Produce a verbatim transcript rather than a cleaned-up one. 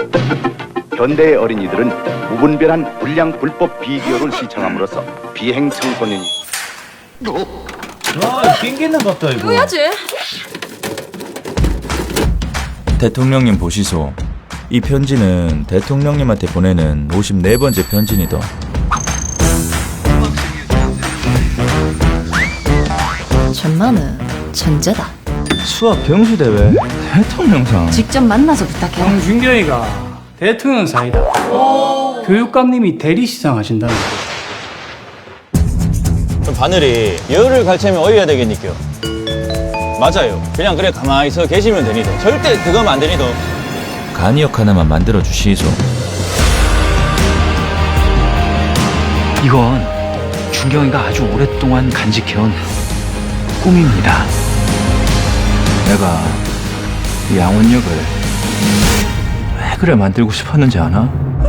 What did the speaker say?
현대의 어린이들은 무분별한 불량 불법 비디오를 시청함으로써 비행 청소년이 아, 낑기는 것도 이거. 해야지. 대통령님 보시소. 이 편지는 대통령님한테 보내는 오십사 번째 편지니다. 천만은 천재다. 수학 경수대회 대통령상. 직접 만나서 부탁해. 홍준경이가 대통령 사이다. 교육감님이 대리 시상하신다는 그럼 바늘이 열을 갈채면 어여야 되겠니겨. 맞아요. 그냥 그래 가만히 서 계시면 되니도. 절대 그거면 안 되니도. 간이역 하나만 만들어 주시소. 이건 준경이가 아주 오랫동안 간직해온 꿈입니다. 내가 이 양원역을 왜 그래 만들고 싶었는지 아나?